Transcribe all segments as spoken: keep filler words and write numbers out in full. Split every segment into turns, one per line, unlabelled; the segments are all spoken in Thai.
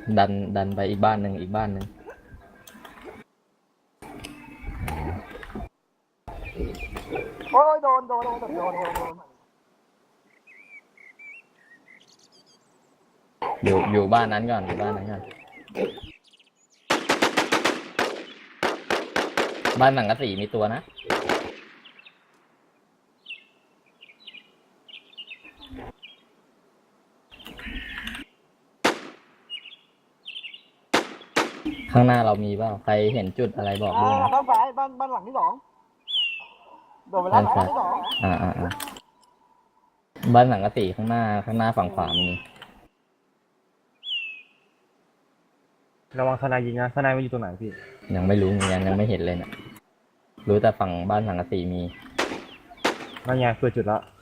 ดันดันไปอีกบ้านหนึ่งอีกบ้านหนึ่ง
โอ้ยโดนโดนโดนโดนโดนโดน
อยู่อยู่บ้านนั้นก่อนอยู่บ้านนั้นก่อนบ้านสังกะสีมีตัวนะข้างหน้าเรามีเปล่าใครเห็นจุดอะไรบอกด้วยนะ
ข้างซ้ายบ้านบ้านหลังที่สองโดนไปแล้วหลังที่สอง
อ่าอ่าอ่าบ้านสังกะสีข้างหน้าข้างหน้าฝั่งขวามี
ระวังทนายยิงนะทนายมันอยู่ตรงไหนพี่
ยังไม่รู้เหมือนกันยังไม่เห็นเลยนะรู้แต่ฝั่งบ้านสังกะสีมี
นั่นไงเปิดจุดแล้ว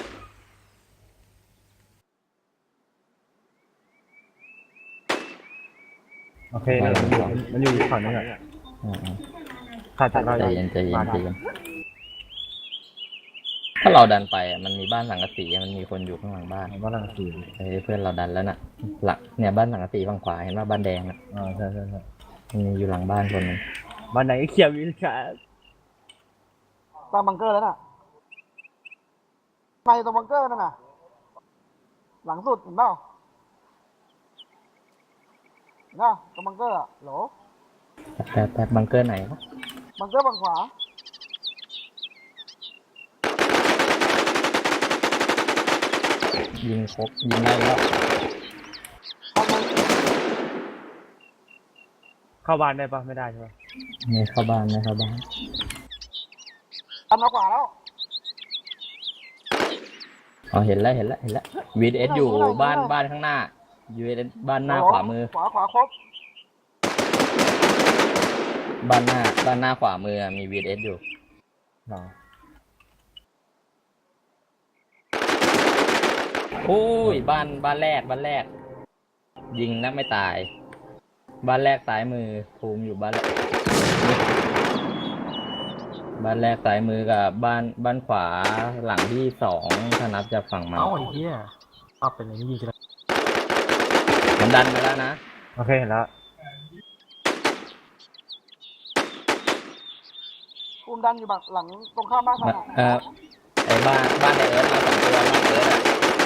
โอเคมันอยู่มันอยู่ฝั่งนี้แหละขาดจากเรา
ใจเย็นใจเย็นใจเย็นถ้าเราดันไปอ่ะมันมีบ้านสังกะสีมันมีคนอยู่ข้างหลังบ้าน
บ้านหลังสี
เฮ้ยเพื่อนเราดันแล้วน่ะหลักเนี่ยบ้านสังกะสีฝั่งขวาเห็นว่าบ้านแดงอ่ะ
อ่าใช่ใช่ใช่
มีอยู่หลังบ้านคนนึง
บ้านไหนเขียววิลค่ะ
ตามบังเกอร์แล้วน่ะไปตรงบังเกอร์นั่นน่ะหลังสุดเห็นเปล่าน่ะตรงบังเกอร์อ่ะโหล
แป๊บแป๊บบังเกอร์ไหนวะ
บังเกอร์ฝั่งขวา
ยิงครบยิงได้แล้ว
เข้าบ้านได้ปะไม่ได้ใช่ปะ
ไม่เข้าบ้านไม่เข้าบ้าน
ทำมาขวาแล้ว
อ๋อเห็นแล้วเห็นแล้วเห็นแล้ววีดเอสอยู่บ้านบ้านข้างหน้ายูเอสบ้านหน้าขวามือ
ขวาขวาครบ
บ้านหน้าบ้านหน้าขวามือมีวีดเอสอยู่
หรอ
โอ้ยบ้านบ้านแรกบ้านแรกยิงนักไม่ตายบ้านแรกซ้ายมือภูมิอยู่บ้านแรกบ้านแรกซ้ายมือกับบ้านบ้านขวาหลังที่สองถ้านับจากฝั่งมัน
เอ้าไอ้เหี้ยเอาเป็นอย่างนี้ยิงกันแล้ว
มันดันมาแล้วนะ
โอเคเห็นแล้ว
ภูมิดันอยู่หลังตรงข้ามบ้านมัน
เออไอ้บ้านบ้านไอเอิร์ธมาสองตัวบ้านเอิร์ธอะ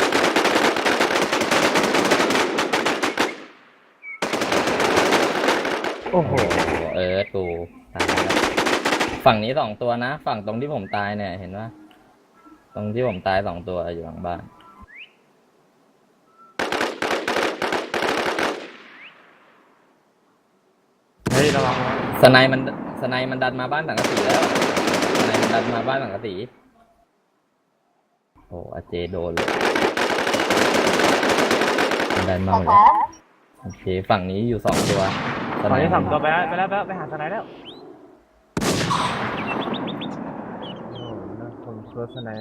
โอ้โห
เอิร์ธกูตายแล้วฝั่งนี้สองตัวนะฝั่งตรงที่ผมตายเนี่ยเห็นว่าตรงที่ผมตายสองตัวอยู่หลังบ้าน
เฮ้ยระวัง
สไนมันสไนมันดันมาบ้านสังกะสีแล้วสไนมันดันมาบ้านสังกะสีโอ้อาเจโดนเลยมันดันมาหมดเลยโอเคฝั่งนี้อยู่สองตัว
ฝั่งนี้สองตัวไปแล้วไปแล้วไปหาสไนแล้วโอ้น่าคนเฟิร์สสไน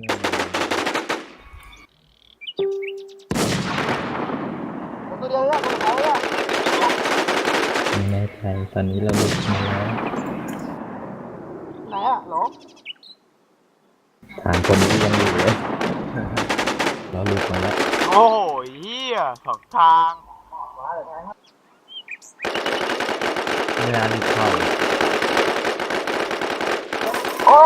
ตัวเดียวเนี่ยตัวเขาเนี่ย
ไม่แน่ใจตอนนี้เราหลุดมาแล้ว
ไหนอ่ะหรอ
ฐานคนนี้ยังอยู่เลยเราหลุดมาแล้ว
โอ้ยเฮียสองทาง
เวลาหลุดเข้า
โอ้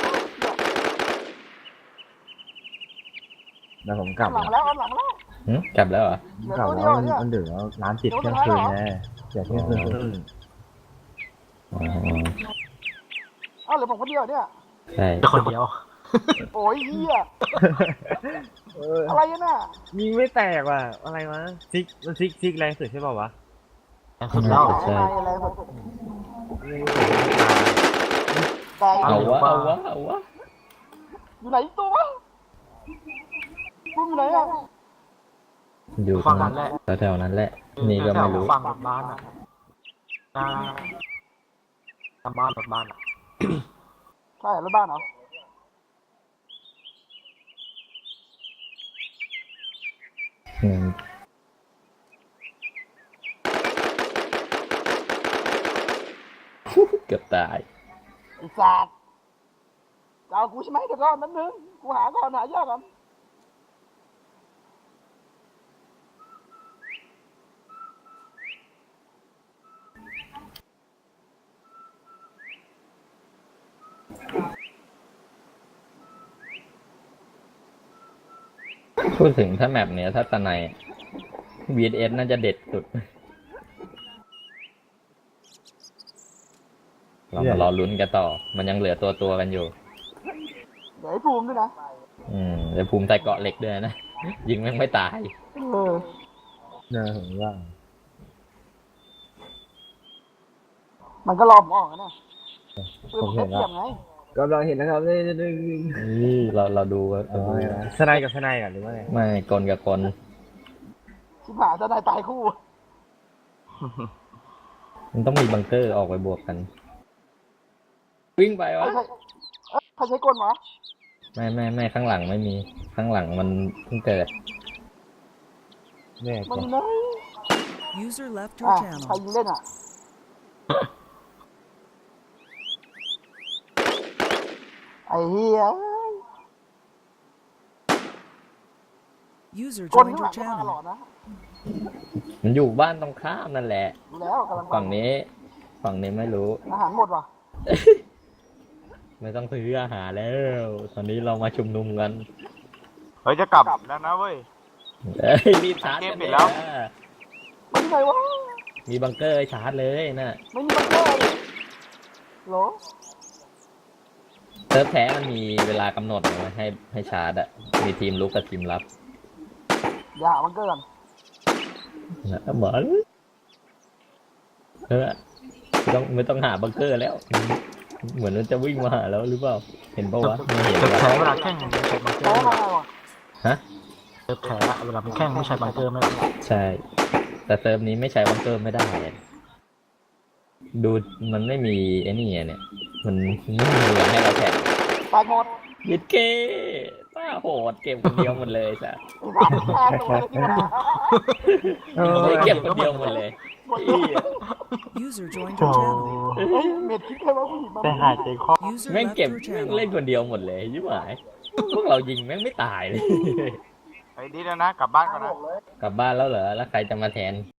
เดี๋ยวผมกลับ
หลังแล้วหลังแล้ว
กลับแล้วเหรอ
ผมกลับแล้วมันเดือดแล้วร้านปิดเที่ยงคืนแน่เดี๋ยวเที่ยงคืนครึ่ง
อ๋อ
อ้าวเหลือผมคนเดียวเนี่ย
ใช่
คนเดียว
โอ้ยเฮียอะไรน่ะ
ยิงไม่แตกว่ะอะไรวะซิกมันซิกซิกแรงสุดใช่ป่าววะ
แรงสุดแล้วใช่แรงสุด
เอาวะเอาวะเอาวะ
อยู่ไหนตัววะมึงอยู่ไหนอ่ะ
อยู่ฝั่งนั้นแหละแถวนั้นแหละนี่ก็ไม่รู้
ฝั่งบ้านอ่ะหน้าหน้าบ้านรถบ้านอ่ะ
ใช่รถบ้านเหรอ
เกือบตาย
ไอ้สัตว์จะเอากูใช่ไหมเดี๋ยวก่อนแป๊บนึงกูหาก่อนหายากก่อน
พูดถึงถ้าแมปเนี้ยถ้าตะไน วี เอส น่าจะเด็ดสุด เรามารอลุ้นกันต่อ มันยังเหลือตัวตัวๆกันอยู่
เดี๋ยวไอ้ภูมิด้วยนะ
อืมแต่ภูมิใจเกาะเหล็กด้วยนะ ยิงแม่งไม่ตาย
เออ
เนี่ยผมว่า
มันก็รอผมออกนะเพื่อ
ผ
ผม ม
เห็
เห็
น
น
แล้ว
เทียมไง
กำลังเห็นนะครับนี่นี่นี่
นี่เราเราดูว่า
อ๋อสไนกับสไนก่อนหรือว่าไง
ไม่กลกับกล
ชิบหายจะได้ตายคู่
มันต้องมีบังเกอร์ออกไปบวกกัน วิ่งไปวะ
ใครใช้เอ้ยใครใช้กลวะ
ไม่ไม่ไม่ข้างหลังไม่มี ข้างหลังมันเพิ่งเกิด
เนี่ย
มัน
จ้ะ
เลย
User left
อ่ะ
your
ใคร
channel.
ยิงเล่นอ่ะ ไอ้เหี้ย
User
กล
joined
ข้างห
your
ลังก็มาตลอ
channel.
ดนะ
มันอยู่บ้านตรงข้ามนั่นแหละ
ดูแล้วกำลังไป
ฝั่งนี้ ฝั่งนี้ไม่รู้
อาหารหมดว่ะ
ไม่ต้องซื้ออาหารแล้ว ตอนนี้เรามาชุมนุมกัน
เฮ้ยจะกลับแล้วนะเว้ย
เอ้ยรีบชาร์จ
เก
กั
ม
น
ปิ
เลย
ดแล้ว
มันที่ไหนวะ
มีบังเกอร์ให้ชาร์จเลยนะ
ไม่มีบังเกอร์เลยโหล
เซิร์ฟแท้มันมีเวลากำหนดนะให้ให้ชาร์จอะมีทีมลุกกับทีมรับ
อย่าหาบังเกอร์กัน
นะเหมือนเออไม่ต้องไม่ต้องหาบังเกอร์แล้ว เหมือนมันจะวิ่งมาหาแล้วหรือเปล่า เห็นปะวะไม่เห็น
เซิร์ฟ
วะ
แพ้เวลาแข่งไม่ใช้บังเกอ
แพ้
ร์
มาไงวะ
ฮะ
เซิร์ฟแพ้เวลาเป็นแข่งไม่ใช้บังเกอร์ไม่ได้
ใช่ แต่เซิร์ฟนี้ไม่ใช้บังเกอร์ไม่ได้อะดูมันไม่มีไอ้นี่อะเนี่ย มันไม่มีเวลาให้เราแข่ง
ตายหมด
ยิดเก้ป้าโหดเก็บคนเดียวหมดเลยจ้ะ
ไอ้สัตว์แพ้ตัวเลยที่มา
ไม่เก็บคนเดียวหมดเลย
หมดเลย
User joined
โอ้
your channel.
เฮ้ยเม็ดคิดแค่ว่าผู้หญิงมา
แต่หายใจคอ
User
แม่ง
left
เก็บ
your
แม่ง
channel.
เล่นคนเดียวหมดเลยยิ่งหายพวกเรายิงแม่งไม่ตายเลย
ไอ้ดีแล้วนะกลับบ้านก่อนนะ
กลับบ้านแล้วเหรอ แล้วใครจะมาแทน